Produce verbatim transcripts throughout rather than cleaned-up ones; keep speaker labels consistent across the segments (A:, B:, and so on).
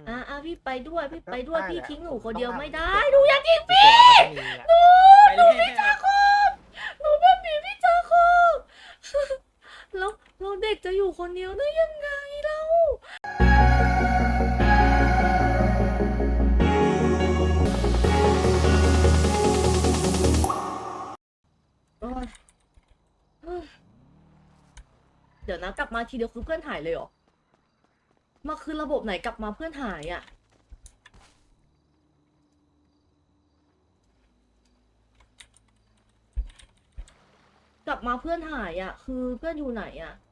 A: อ่าอ่าพี่ไปด้วยพี่ไปด้วยพี่ทิ้งหนูคนเดียวไม่ได้
B: หนูอยากทิ้งพี่หนูหนูพี่จ้าคบ
A: หนูเป็นหมีพี่จาโคบแล้วเราเด็กจะอยู่คนเดียวได้ยังไงเล่าโอ๊ยเดี๋ยวนะกลับมาทีเดียวคือเพื่อนหายเลยเหรอมาคือระบบไหนกลับมาเพื่อนหายอ่ะกลับมาเพื่อนหายอ่ะคือเพื่อนอยู่ไหนอ่ะ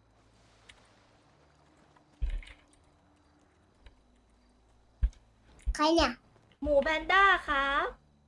C: ใครเนี่ย
A: หมูแพนด้าครับ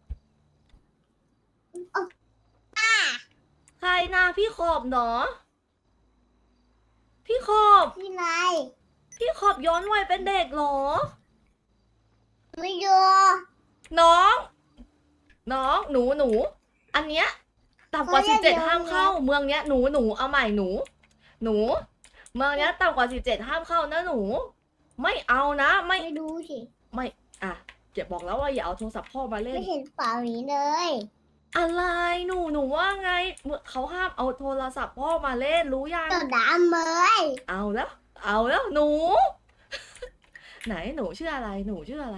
A: ใครนะพี่ขอบเนาะพี่ขอบ
C: พี่ไร
A: พี่ขอบย้อนวัยเป็นเด็กเหรอ
C: ไม่ดู
A: น้อง น้องหนูหนู อันเนี้ยต่ำกว่าสิบเจ็ดห้ามเข้า เมืองเนี้ยหนูหนูเอาใหม่หนู หนู เมืองเนี้ยต่ำกว่าสิบเจ็ดห้ามเข้านะหนู ไม่เอานะไม่
C: ไม่ดูสิ
A: ไม่อ่ะเจ็บบอกแล้วว่าอย่าเอาโทรศัพท์พ่อมาเล่น
C: ไม่เห็นเปล่านี้เลย
A: อะไรหนูหนูว่าไงเขาห้ามเอาโทรศัพท์พ่อมาเล่นรู้ยัง
C: ตัวดำเลย
A: เอาแล้ว เอาแล้วหนู ไหนหนูชื่ออะไร หนูชื่ออะไร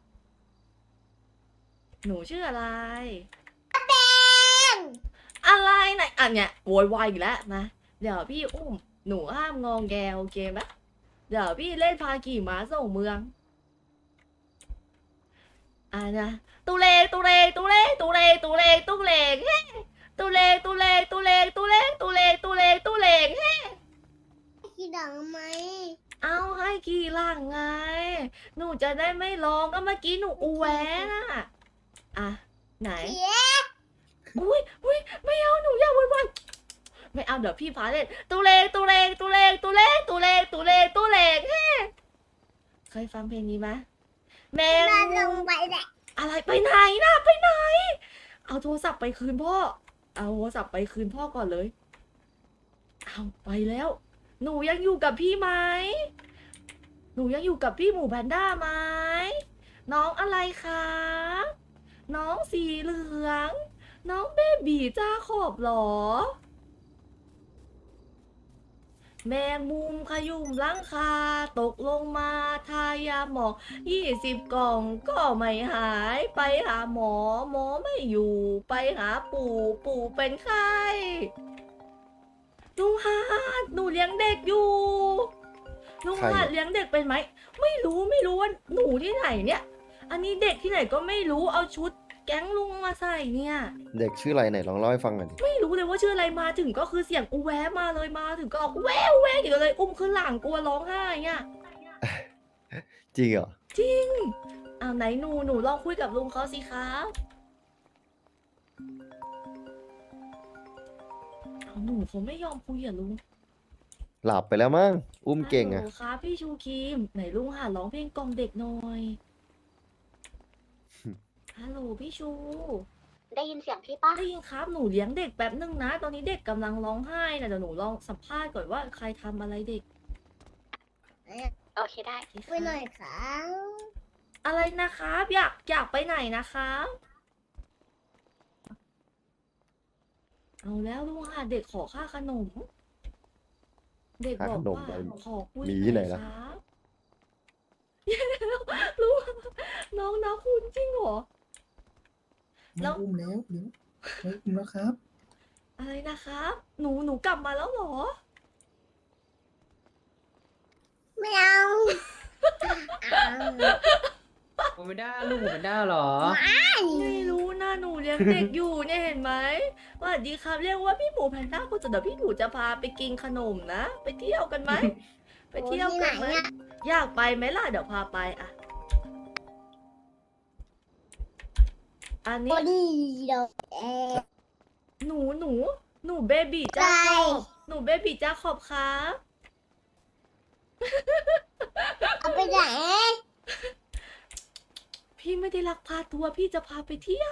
A: หนูชื่ออะไร
C: แป้ง
A: อะไรไหนอันเนี้ยโวยวายอีกแล้วนะเดี๋ยวพี่อุ้มหนูห้ามงองแงโอเคไหมเดี๋ยวพี่เล่นพาขี่ม้าส่งเมืองอ่านะตุเลตุเลตุเลตุเลตุเลตุเลเฮ้ตุเลตุเลตุเลตุเลตุเลตุเลตุเลเฮ้
C: ขี้ดังไหม
A: เอาให้ขี่หลังไงหนูจะได้ไม่ร้องก็เมื่อกี้หนูอูแวน่ะอ่ะไหน
C: เพี้ย
A: อุ้ยอุ้ยไม่เอาหนูอย่าวุ่นวายไม่เอาเดี๋ยวพี่พาเล่นตูเลงตูเลงตูเลงตูเลงตูเลงตูเลงตูเลงเฮ้เคยฟังเพลงนี้ไหมแมง
C: มาล
A: มุ
C: ง
A: ม
C: ไปแหละ
A: อะไรไปไหนนะไปไหน เอาโทรศัพท์ไปคืนพ่อเอาโทรศัพท์ไปคืนพ่อก่อนเลยเอาไปแล้ว หนูยังอยู่กับพี่ไหมหนูยังอยู่กับพี่หมูแพนด้าไหมน้องอะไรคะน้องสีเหลือง น้องเบบีจ้าขอบหรอ แมงมุมขยุ่มหลังคาตกลงมาทายาหมองยี่สิบกล่องก็ไม่หายไปหาหมอหมอไม่อยู่ไปหาปู่ปู่เป็นไข้ลุงฮาดหนูเลี้ยงเด็กอยู่ลุงฮาดเลี้ยงเด็กเป็นไหมไม่รู้ไม่รู้ว่าหนูที่ไหนเนี่ย อันนี้เด็กที่ไหนก็ไม่รู้เอาชุดแก๊งลุงมาใส่เนี่ย
D: เด็กชื่ออะไรไหนลองเล่าให้ฟังหน่อยดิ
A: ไม่รู้เลยว่าชื่ออะไรมาถึงก็คือเสียงอูแวะมาเลยมาถึงก็ออกแววแววอยู่เลยอุ้มขึ้นหลังกลัวร้องไห้เนี่ย
D: จริงเหรอ
A: จริงอ้าวไหนหนูหนูลองคุยกับลุงเขาสิครับอ้าวหนูเขาไม่ยอมคุยอ่ะลุง
D: หลับไปแล้วมั้งอุ้มเก่ง
A: ฮั
D: อะ
A: ลโหลครับพี่ชูครีมไหนลุงหาร้องเพลงกล่อมเด็กหน่อยฮัลโหลพี่ชู
C: ได้ยินเสียงพี่ปะ
A: ได้ยินครับหนูเลี้ยงเด็กแป๊บนึงนะ ตอนนี้เด็กกำลังร้องไห้นะเดี๋ยวหนูลองสัมภาษณ์ก่อนว่าใครทำอะไรเด็ก
C: โอเคได้
A: โอเคครับ
C: ไปหน่อยครับ
A: อะไรนะครับอยากอยากไปไหนนะครับเอาแล้วลุงค่ะเด็กขอค่าขนม เด็กบอกว่าขอคุย
D: มีที่ไหน
A: อย
D: ล่ะ
A: ครับลุงน้องนะคุณจริงเหรอ แล้ว
E: อุ้มแล้วเดี๋ยวเฮ้ยอุ้มแล้วครับ
A: อะไรนะครับ หนูหนูกลับมาแล้วเหรอ
C: ไม่เอา
B: หมูแพนด้าลูกหมูแพนด้าเหรอ
A: ไม่รู้นะหนูเลี้ยงเด็กอยู่เนี่ยเห็นไหมสวัสดีครับเรียกว่าพี่หมูแพนด้าคุณจะเดี๋ยวพี่หมูจะพาไปกินขนมนะ ไปเที่ยวกันไหม ไปเที่ยวกันไหม
C: โอ้ที่ไหนอะ
A: อยากไปไหมล่ะเดี๋ยวพาไปอ่ะ อัน
C: โอ
A: นี้
C: ดีเดี๋ยวเอ
A: หนูหนูหนูเบบีจ้าขอบหนูเบบีจ้าขอบครับ
C: เอาไปไหน
A: พี่ไม่ได้ลักพาตัวร์พี่จะพาไปเที่ยว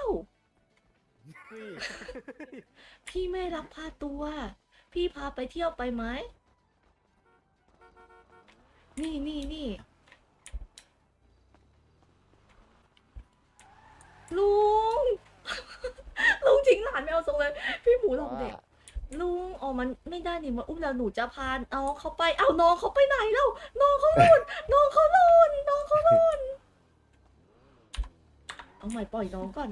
A: พี่ไม่ได้ลักพาตัวร์พี่พาไปเที่ยวไปไหมนี่นี่นี่ลุง ลุงทิ้งหลานไม่เอาทรงเลย พี่หมูหลอกเด็ก
D: ว่า
A: ลุงอ๋อมันไม่ได้นี่มาอุ้มแล้วหนูจะพาน้องเขาไป เอาน้องเขาไปไหนแล้วน้องเขาหล่น น้องเขาหล่น น้องเขาหล่น เอาใหม่ปล่อยน้องก่อน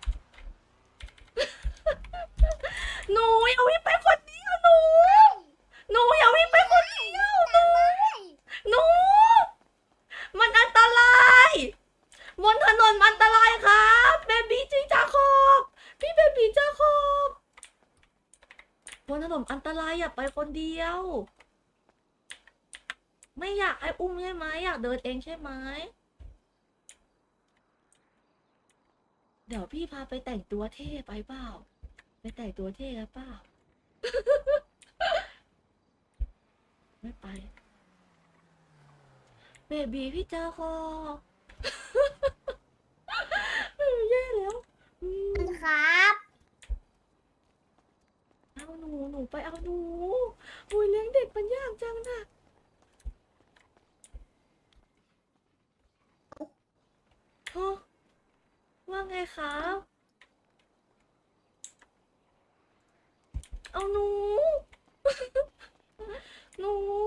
A: หนูอย่าวิ่งไปคนเดียวหนู หนูอย่าวิ่งไปคนเดียวหนู หนู มันอันตรายบนถนนมันอันตรายครับเบบีจีจาคอบพี่เบบีจาคอบบนถนนอันตรายอย่าไปคนเดียว ไม่อยากให้อุ้มใช่ไหมอยากเดินเองใช่ไหมเดี๋ยวพี่พาไปแต่งตัวเท่ไปเปล่าไปแต่งตัวเท่กันเปล่า ไม่ไปเบบีพี่จาคอบ แย่แล้วอืม
C: ครับ
A: เอาหนู หนูไปเอาหนูอุ้ยเลี้ยงเด็กมันยากจังนะฮะว่าไงครับ เอาหนู หนู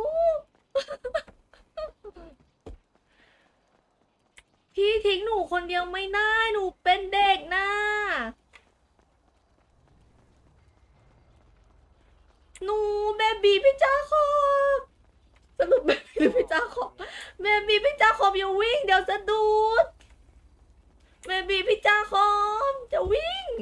A: พี่ทิ้งหนูคนเดียวไม่ได้ หนูเป็นเด็กนะ หนูเบบีพี่จ้าขอบสรุปเบบีหรือพี่จ้าขอบเบบีพี่จ้าขอบอย่าวิ่งเดี๋ยวสะดุดเบบีพี่จ้าขอบจะวิ่ง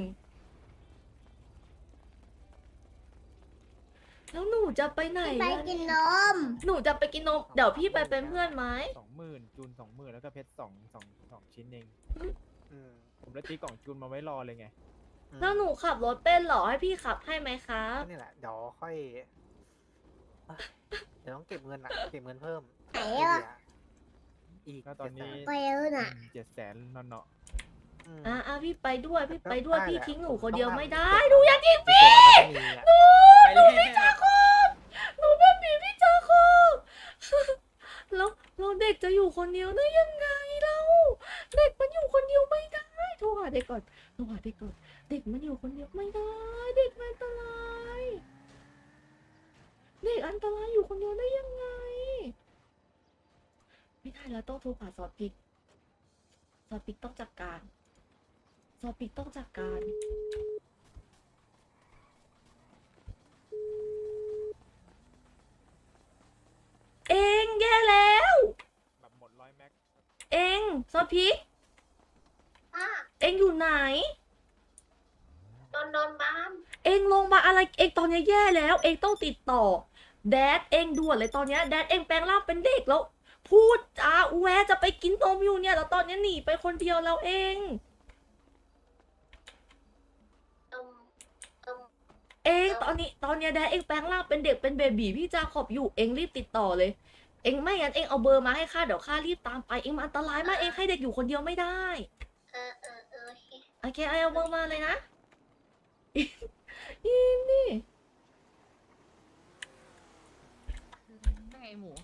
A: แล้วหนูจะไปไหน
C: ไป
A: ล่ะ
C: กินนม
A: หนูจะไปกินนมเดี๋ยวพี่ไปเป็นเพื่อนไหม
B: สองหมื่นจูนสองหมื่นแล้วก็เพชรสองสองสองชิ้นเอง
F: อืม
B: ผมเลยตีกล่องจูนมาไว้รอเลยไง
F: อืม
A: แล้วหนูขับรถเป็นเหรอให้พี่ขับให้ไหมครับ
F: ก็นี่แหละ เดี๋ยวค่อยเอ้ยเดี๋ยวต้องเก็บเงินอะเก็บเงินเพิ่ม
C: ไหนอะ
F: อีก
B: แล้วตอนนี้
C: ไปแล้วน่ะ
B: เจ็ดแสนนอนเนาะ
F: อืม
A: อ่ะอ่ะพี่ไปด้วยพี่ไปด้วย
F: ได้
A: พี่
F: แหละ
A: ทิ้งหนู
F: ผม
A: คนเดียว
F: ต้อง
A: ไม่
F: ทำ
A: ได้
F: เก็บ
A: หนูอย่าทิ้ง
F: เก็บไว้แล้วก็มีอะ
B: ไปเลย
A: หนูเป็นบีพี่จ้าคอบแล้วเราเด็กจะอยู่คนเดียวได้ยังไงเราเด็กมันอยู่คนเดียวไม่ได้โทรหาเด็กก่อนโทรหาเด็กก่อนเด็กมันอยู่คนเดียวไม่ได้ เด็กมันอันตรายเด็กอันตรายอยู่คนเดียวได้ยังไง ไม่ได้แล้วต้องโทรหาซอสพริกซอสพริกต้องจัดการซอสพริกต้องจัดการเองแย่แล้ว
B: แบบหมดร้อยแม็ก
A: เองซอสพริก
C: อ่ะ
A: เองอยู่ไหน
C: นอนนอนบ้าน
A: เองลงมาอะไรเองตอนนี้แย่แล้ว เองต้องติดต่อ แดดเองด่วนเลยตอนนี้แดดเองแปลงร่างเป็นเด็กแล้ว พูดจาแวะจะไปกินนมอยู่เนี่ยแล้วตอนนี้หนีไปคนเดียวแล้วเอง
C: นมนม
A: เองตอนนี้ตอนนี้แดดเองแปลงร่างเป็นเด็กเป็นเบบีพี่จาขอบอยู่เองรีบติดต่อเลย เองไม่งั้นเองเอาเบอร์มาให้ข้าเดี๋ยวข้ารีบตามไปเองมันอันตรายมากเองให้เด็กอยู่คนเดียวไม่ได้
C: เออเออเออโอเค
A: โอเคเอาเบอร์มาเลยนะอินนี่
G: ไงหมู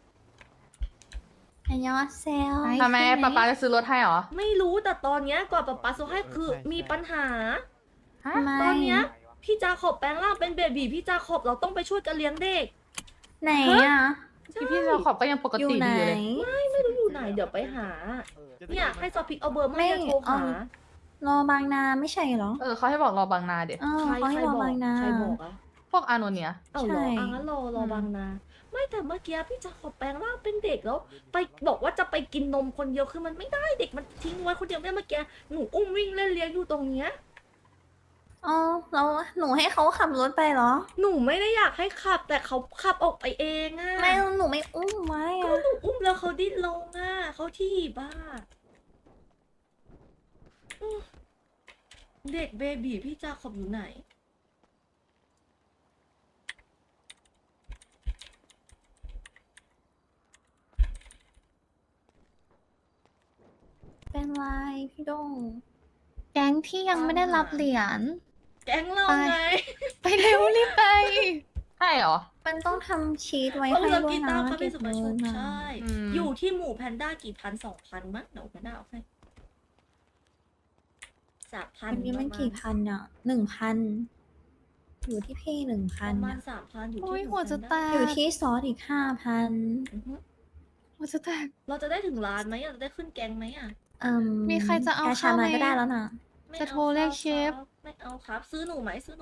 C: อันยองเซล
G: ทำไมป๊าป๊าจะซื้อรถให้เหรอ
A: ไม่รู้แต่ตอนเนี้ยก่อนป๊าป๊าซื้อให้คือมีปัญหา
G: ฮะ
A: ตอนเนี้ยพี่จาขอบแปลงร่างเป็นเบบีพี่จาขอบเราต้องไปช่วยกันเลี้ยงเด็ก
C: ไหนอ่ะ
G: พี่พี่เราขอบก็ยังปกติดีอยู่เลย
A: ไม่รู้อยู่ไหนเดี๋ยวไปหา
F: เออ
A: เนี่ยให้ซอพิกเอาเบอร์มา
H: ไม่
A: ให้โทรหา
H: เอา รอบางนาไม่ใช่เหรอ
G: เออเขาให้บอกรอบางนาเดี๋ยว
H: เออ
A: ใคร
H: เขา
A: ใค
H: ให้
A: ร
H: รอ
A: บอก
H: บางนา
A: ใครบอกอะ
G: พวกอาโนเนีย
A: เอาเหรอ
H: ใช่
A: อ่ะงั้นรอรอบางนา ไม่แต่เมื่อกี้พี่จาขอบแปลงร่างเป็นเด็กแล้ว ไปบอกว่าจะไปกินนมคนเดียวคือมันไม่ได้เด็กมันทิ้งไว้คนเดียวไม่ได้เมื่อกี้หนูอุ้มวิ่งเล่นเลี้ยงอยู่ตรงเนี้ย
H: อ๋อแล้วหนูให้เขาขับรถไปเหรอ
A: หนูไม่ได้อยากให้ขับ แต่เขาขับออกไปเองอะ
H: ไม่หนูไม่อุ้มไว้
A: ก็
H: อะ
A: หนูอุ้มแล้วเขาดิ้นลงอ่ะเขาที่บ้าอืมเด็กเบบีพี่จาขอบอยู่ไหน
H: เป็นไรพี่ดง แก๊งที่ยังไม่ได้รับเหรียญ
A: แก๊งเราไง
H: ไปเร็วรีบไป
G: ใช่เหรอ
H: มันต้องทำชีตไว้
A: เขา
H: ให้
A: เลิฟ
H: ด้วย
A: กี
H: นะ
A: ตาร์เขาเป็
H: เก็
A: น
H: บ
A: สุภา
H: เงิ
A: ชุ
H: น
A: น
H: นะ
A: ใช่
G: อืม
A: อยู่ที่หมู่แพนด้ากี่พันสองพันมั้งเดี๋ยวแพนด้าเอาให้สามพัน
C: วันนี้มันกี่พันอ่ะหนึ่งพันอยู่ที่พี่หนึ่ง
A: ป
C: พัน
A: ระมาณ
C: อะ
A: สามพันอยู่
H: โอ้
A: ที่
H: ยหัวจะแต
A: 1,000
H: ก
C: อยู่ที่ซอสอีกห้าพัน
A: อือฮึ
H: หัวจะแตก
A: เราจะได้ถึงล้านไหมเราจะได้ขึ้นแกงไหมอ่ะ
C: อืม
H: มีใครจะเอา
C: แกชา
H: ข้าว
C: มา
H: ไหม
C: ก็ได้แล้วนะ
A: ไม่
H: จะ
A: อา
H: โทรเรียก
A: ครับ
H: เชฟ
A: ไม่เอาครับ ซื้อหนูไหมซื้อ